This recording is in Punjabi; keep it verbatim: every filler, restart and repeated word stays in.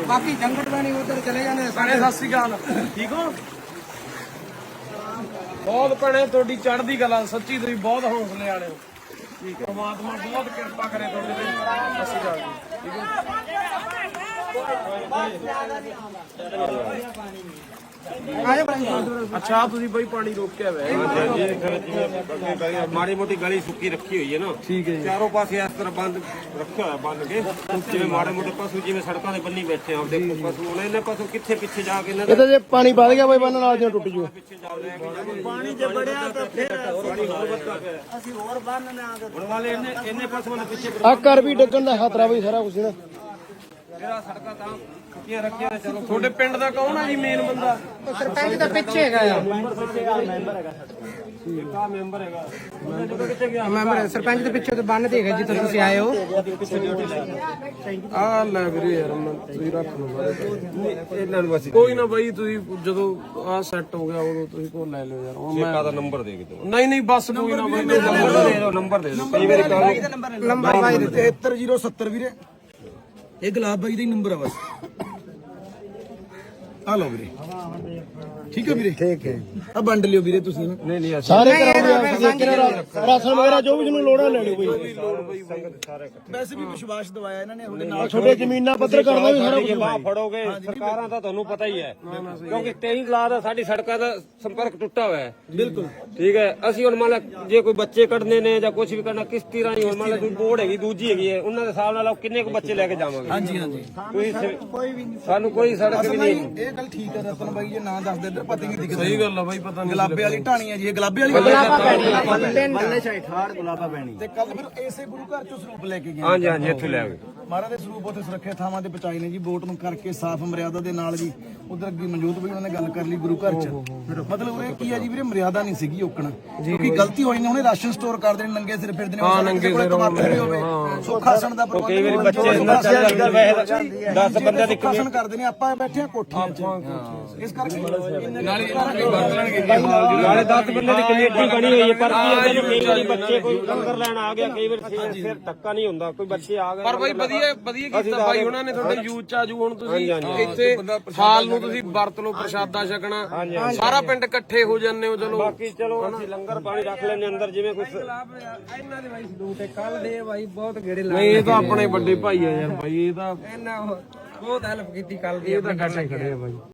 बाकी जंगल में नहीं उधर चले जाने। ਭੈਣੇ ਸਤਿ ਸ੍ਰੀ ਅਕਾਲ, ਠੀਕ ਹੋ? ਬਹੁਤ ਭੈਣੇ ਤੁਹਾਡੀ ਚੜ੍ਹਦੀ ਕਲਾ, ਸੱਚੀ ਤੁਸੀਂ ਬਹੁਤ ਹੌਸਲੇ ਵਾਲੇ ਹੋ। ਠੀਕ ਹੈ, ਪਰਮਾਤਮਾ ਬਹੁਤ ਕਿਰਪਾ ਕਰੇ ਤੁਹਾਡੇ ਤੇ। ਸਤਿ ਸ੍ਰੀ ਅਕਾਲ ਜੀ, ਠੀਕ ਹੈ। ਅੱਛਾ ਤੁਸੀਂ ਬਈ ਪਾਣੀ ਰੋਕਿਆ ਹੋਇਆ? ਮਾੜੀ ਮੋਟੀ ਗਲੀ ਸੁੱਕੀ ਰੱਖੀ ਹੋਈ ਹੈ ਨਾ। ਠੀਕ ਹੈ ਜੀ। ਚਾਰੋਂ ਪਾਸੇ ਇਸ ਤਰ੍ਹਾਂ ਬੰਦ ਰੱਖਿਆ ਹੋਇਆ, ਬੰਨ ਕੇ, ਜਿਵੇਂ ਮਾੜੇ ਮੋਟੇ ਪਸ਼ੂ ਜਿਵੇਂ ਸੜਕਾਂ ਦੇ ਬੰਨੀ ਬੈਠੇ ਆ। ਦੇਖੋ ਪਸ਼ੂ ਹੁਣ ਇਹਨੇ ਪਸ਼ੂ ਕਿੱਥੇ ਪਿੱਛੇ ਜਾ ਕੇ ਇਹਨਾਂ ਇਹ ਤਾਂ ਜੇ ਪਾਣੀ ਵੱਧ ਗਿਆ ਬਈ ਬੰਨ ਨਾਲ ਜਿਉਂ ਟੁੱਟ ਜੂ। ਪਿੱਛੇ ਜਾ ਰਹੇ पानी जब बढ़िया तो फिर ਪਾਣੀ ਹੋਰ ਵੱਧਦਾ ਪਿਆ। ਅਸੀਂ ਹੋਰ ਬੰਨ ਆ ਹੁਣ ਵਾਲੇ ਇਹਨੇ ਇਹਨੇ ਪਸ਼ੂਆਂ ਦੇ ਪਿੱਛੇ ਆ ਘਰ ਵੀ ਡੱਗਣ ਦਾ ਖਤਰਾ ਬਈ ਸਾਰਾ ਕੁਝ ਨਾ। ਜਿਹੜਾ ਸੜਕਾਂ ਤਾਂ ਸੁੱਕੀਆਂ ਰੱਖੀਆਂ ਨੇ। ਚਲੋ ਤੁਹਾਡੇ ਪਿੰਡ ਦਾ ਕੌਣ ਆ ਜੀ ਮੇਨ ਬੰਦਾ? ਸਰਪੰਚ ਦਾ ਪਿੱਛੇ ਹੈਗਾ ਆ। ਕਾ ਮੈਂਬਰ ਹੈਗਾ ਮੈਂਬਰ ਸਰਪੰਚ ਦੇ ਪਿੱਛੇ ਤੇ ਬੰਨ ਤੇ ਹੈਗਾ ਜਿੱਥੇ ਤੁਸੀਂ ਆਏ ਹੋ। ਆ ਲੈ ਵੀਰੇ ਯਾਰ ਮੈਂ ਤੁਸੀਂ ਰੱਖ ਲਓ ਇਹਨਾਂ ਨੂੰ ਬਸ ਕੋਈ ਨਾ ਬਾਈ, ਤੁਸੀਂ ਜਦੋਂ ਆ ਸੈੱਟ ਹੋ ਗਿਆ ਉਦੋਂ ਤੁਸੀਂ ਕੋਲ ਲੈ ਲਿਓ ਯਾਰ। ਹੁਣ ਮੈਂ ਸੇਕਾ ਦਾ ਨੰਬਰ ਦੇ ਕੇ ਦਿਓ। ਨਹੀਂ ਨਹੀਂ ਬਸ ਕੋਈ ਨਾ ਬਾਈ, ਨੰਬਰ ਦੇ ਦਿਓ, ਨੰਬਰ ਦੇ ਦਿਓ। ਕਈ ਵਾਰੀ ਕਾਲ ਨੰਬਰ ਬਾਈ ਦੇ ਤਿਹੱਤਰ ਜ਼ੀਰੋ ਸੱਤਰ ਵੀਰੇ, ਇਹ ਗੁਲਾਬ ਬਾਈ ਦਾ ਹੀ ਨੰਬਰ ਆ ਬਸ। ਆ ਲਓ ਵੀਰੇ, ਠੀਕ ਹੈ ਵੀਰੇ, ਠੀਕ ਹੈ। ਆ ਵੰਡ ਲਿਓ ਵੀਰੇ ਤੁਸੀਂ। ਨਹੀਂ ਨਹੀਂ ਸਾਰੇ ਰਾਸ਼ਨ ਵਗੈਰਾ ਜੋ ਵੀ ਤੁਹਾਨੂੰ ਲੋੜਾਂ ਲੈ ਲਿਓ ਬਈ। ਵੈਸੇ ਵੀ ਵਿਸ਼ਵਾਸ ਦਵਾਇਆ ਇਹਨਾਂ ਨੇ ਤੁਹਾਡੇ ਨਾਲ। ਛੋਟੇ ਜ਼ਮੀਨਾਂ ਪੱਧਰ ਕਰਨਾ ਵੀ ਸਾਰਾ ਕੁਝ ਬਾਹ ਫੜੋਗੇ। ਸਰਕਾਰਾਂ ਦਾ ਤੁਹਾਨੂੰ ਪਤਾ ਹੀ ਹੈ, ਕਿਉਂਕਿ ਤੇਈ ਲਾ ਦਾ ਸਾਡੀ ਸੜਕਾਂ ਦਾ ਸੰਪਰਕ ਟੁੱਟਾ ਹੋਇਆ ਹੈ। ਬਿਲਕੁਲ ਠੀਕ ਹੈ। ਅਸੀਂ ਹੁਣ ਮੰਨ ਲਾ ਜੇ ਕੋਈ ਬੱਚੇ ਕੱਢਨੇ ਨੇ ਜਾਂ ਕੁਝ ਵੀ ਕਰਨਾ ਕਿਸ਼ਤੀ ਰਾਹੀਂ, ਹੁਣ ਮੰਨ ਲਾ ਕੋਈ ਬੋਰਡ ਹੈਗੀ ਦੂਜੀ ਹੈਗੀ ਹੈ, ਉਹਨਾਂ ਦੇ ਹਿਸਾਬ ਨਾਲ ਕਿੰਨੇ ਕੁ ਬੱਚੇ ਲੈ ਕੇ ਜਾਵਾਂਗੇ। ਹਾਂਜੀ ਹਾਂਜੀ, ਕੋਈ ਸਾਨੂੰ ਕੋਈ ਸੜਕ ਵੀ ਨਹੀਂ। ਇਹ ਗੱਲ ਠੀਕ ਹੈ ਰਤਨ ਬਾਈ, ਜੇ ਨਾ ਦੱਸਦੇ ਪਤਾ ਨਹੀਂ ਦਿਖਦਾ। ਸਹੀ ਗੱਲ ਆ ਬਾਈ, ਪਤਾ ਨਹੀਂ। ਗੁਲਾਬੇ ਵਾਲੀ ਢਾਣੀ ਹੈ ਜੀ, ਇਹ ਗੁਲਾਬੇ ਵਾਲੀ ਬੱਲੇ ਛਾਈ ਠਾੜ ਗੁਲਾਬਾ ਪੈਣੀ। ਤੇ ਕੱਲ ਫਿਰ ਇਸੇ ਗੁਰੂ ਘਰ ਚੋਂ ਸਰੂਪ ਲੈ ਕੇ ਗਏ। ਹਾਂਜੀ ਹਾਂਜੀ, ਇੱਥੇ ਲੈ ਆਵੇ। ਮਹਾਰਾਜ ਦੇ ਸਰੂਪ ਉੱਥੇ ਸੁਰੱਖਿਅਤ ਥਾਵਾਂ ਤੇ ਪਹੁੰਚਾਏ ਨੇ ਜੀ, ਬੋਟ ਨੂੰ ਕਰਕੇ ਸਾਫ਼ ਮਰਿਆਦਾ ਦੇ ਨਾਲ ਜੀ। ਉਧਰ ਅੱਗੇ ਮਨਜੋਤ ਵੀ ਉਹਨਾਂ ਨੇ ਗੱਲ ਕਰ ਲਈ ਗੁਰੂ ਘਰ ਚ। ਮਤਲਬ ਇਹ ਕੀ ਹੈ ਜੀ ਵੀਰੇ, ਮਰਿਆਦਾ ਨਹੀਂ ਸੀਗੀ ਓਕਣਾ, ਕਿਉਂਕਿ ਗਲਤੀ ਹੋਈ ਨੇ। ਉਹਨੇ ਰਾਸ਼ਨ ਸਟੋਰ ਕਰਦੇ ਨੇ, ਨੰਗੇ ਸਿਰ ਫਿਰਦੇ ਨੇ। ਹਾਂ ਨੰਗੇ ਸਿਰ ਹੋਵੇ ਸੁਖਾਸਣ ਦਾ ਪ੍ਰਬੰਧ। ਕਈ ਵਾਰੀ ਬੱਚੇ ਇੰਨਾ ਚੱਲ ਜਾਂਦੇ ਦਸ ਬੰਦਿਆਂ ਦੀ ਸੁਖਾਸਨ ਕਰਦੇ ਨੇ। ਆਪਾਂ ਬੈਠੇ ਆ ਕੋਠੀਆਂ ਚ, ਇਸ ਕਰਕੇ ਨਾਲੇ ਦਸ ਬੰਦੇ ਦੀ ਕਮੇਟੀ ਬਣੀ ਹੋਈ ਹੈ। ਪਰ ਕੀ ਹੈ, ਕਈ ਵਾਰੀ ਬੱਚੇ ਕੋਈ ਲੰਗਰ ਲੈਣ ਆ ਗਿਆ, ਕਈ ਵਾਰੀ ਫਿਰ ਧੱਕਾ ਨਹੀਂ ਹੁੰਦਾ, ਕੋਈ ਬੱਚੇ ਆ ਗਏ। ਪਰ ਬਾਈ ਵਧੀਆ ਵਧੀਆ ਕੀਤਾ ਬਾਈ ਉਹਨਾਂ ਨੇ, ਤੁਹਾਡੇ ਯੂਥ ਚ ਆਜੂ। ਹੁਣ ਤੁਸੀਂ ਇੱਥੇ ਹਾਲ ਨੂੰ ਤੁਸੀਂ ਵਰਤ ਲਓ, ਪ੍ਰਸ਼ਾਦਾ ਛਕਣਾ, ਸਾਰਾ ਪਿੰਡ ਇਕੱਠੇ ਹੋ ਜਾਂਦੇ ਹੋ। ਚਲੋ ਬਾਕੀ ਚਲੋ ਅਸੀਂ ਲੰਗਰ ਪਾਣੀ ਰੱਖ ਲੈਣੇ ਅੰਦਰ, ਜਿਵੇਂ ਕੁਝ ਇਹਨਾਂ ਦੇ ਬਾਈ ਸਲੂਟ ਹੈ। ਕੱਲ ਦੇ ਬਾਈ ਬਹੁਤ ਗੇੜੇ ਲਾ ਨਹੀਂ, ਇਹ ਤਾਂ ਆਪਣੇ ਵੱਡੇ ਭਾਈ ਆ ਯਾਰ ਬਾਈ, ਇਹ ਤਾਂ ਇਹਨਾਂ ਬਹੁਤ ਹੈਲਪ ਕੀਤੀ ਕੱਲ ਦੀ। ਇਹ ਤਾਂ ਖੜੇ ਆ ਬਾਈ।